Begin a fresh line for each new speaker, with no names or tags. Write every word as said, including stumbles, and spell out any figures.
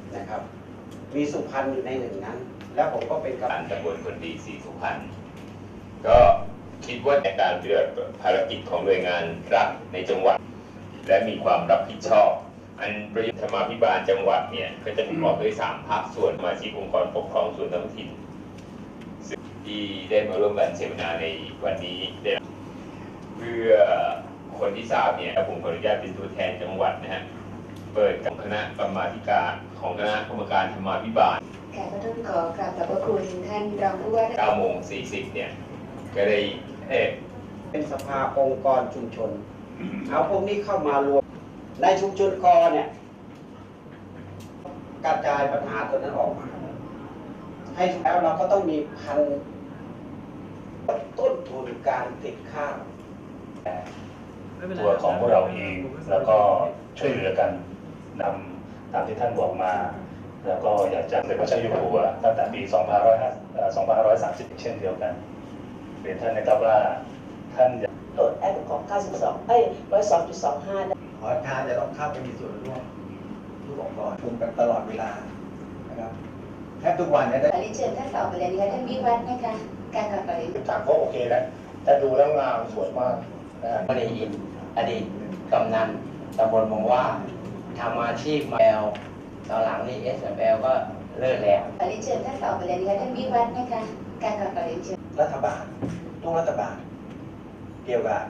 นะครับมีสุพรรณอยู่ในหนึ่งนั้นแล้วผมก็เป็นกำ
การตำบลคนดีสีสุพรรณก็คิดว่าในการปฏิบัติภารกิจของหน่วยงานรัฐในจังหวัดและมีความรับผิดชอบอันประยุทธ์ธรรมาภิบาลจังหวัดเนี่ยก็จะประกอบด้วยสามภาคส่วนสมาชิกองค์กรปกครองส่วนท้องถิ่นที่ได้มาร่วมกันเสวนาในวันนี้ได้เพื่อคนที่ทราบเนี่ยผมขออนุญาตเป็นตัวแทนจังหวัดนะฮะเปิดกับคณะกรรมาธิการของคณะกรรมการธรรมาภิบาล
ค่ะก็ต้องขอกราบขอบพระคุณท่านรองผู้ว่า
เก้าโมงสี่สิบเนี่ยก็ได้เออ
เป็นสภาองค์กรชุมชนเอาพวกนี้เข้ามารวมในชุมชนกอเนี่ยกระจายปัญหาตัวนั้นออกมาให้แล้วเราก็ต้องมีพันต้นทุนการติดข้าว
ตัวของพวกเราเองแล้วก็ช่วยเหลือกันนำตามที่ท่านบอกมาแล้วก็อยากจะเป็นพระเจ้าอยู่หัวตั้งแต่ปีสองพันห้าร้อยสามสิบเช่นเดียวกันเรียนท่านนะครับว่าท่าน
โหลดแอปของเก้าสิบสองเอ้ยหนึ่งร้อยสองจุดสองห้าได้
ขอทานจะต้องเข้าไปมีส่วนร่วมทุกองค์กรชุมกันตลอดเวลานะครับแทบทุกวันเนี่ยได้
ขอเรียนเชิญท่านต่อไปเลยนะคะท่านวิวัฒน์นะคะการกลับไป
ต่างก็โอเคแล้วแต่ดูแล้วงามสวยมากนะ
ไม่ได้ยินอดีตกำนันตำบลมองว่าทำอาชีพมาแล้วตอนหลังนี่ เอส แอล ก็เลิกแล้ว
ขอเรียนเชิญท่านต่อไปเลยนะคะท่านวิวัฒน์นะคะการกลับไปเรียนเชิญ
รัฐบาลต้องรัฐบาลเกี่ยวกับ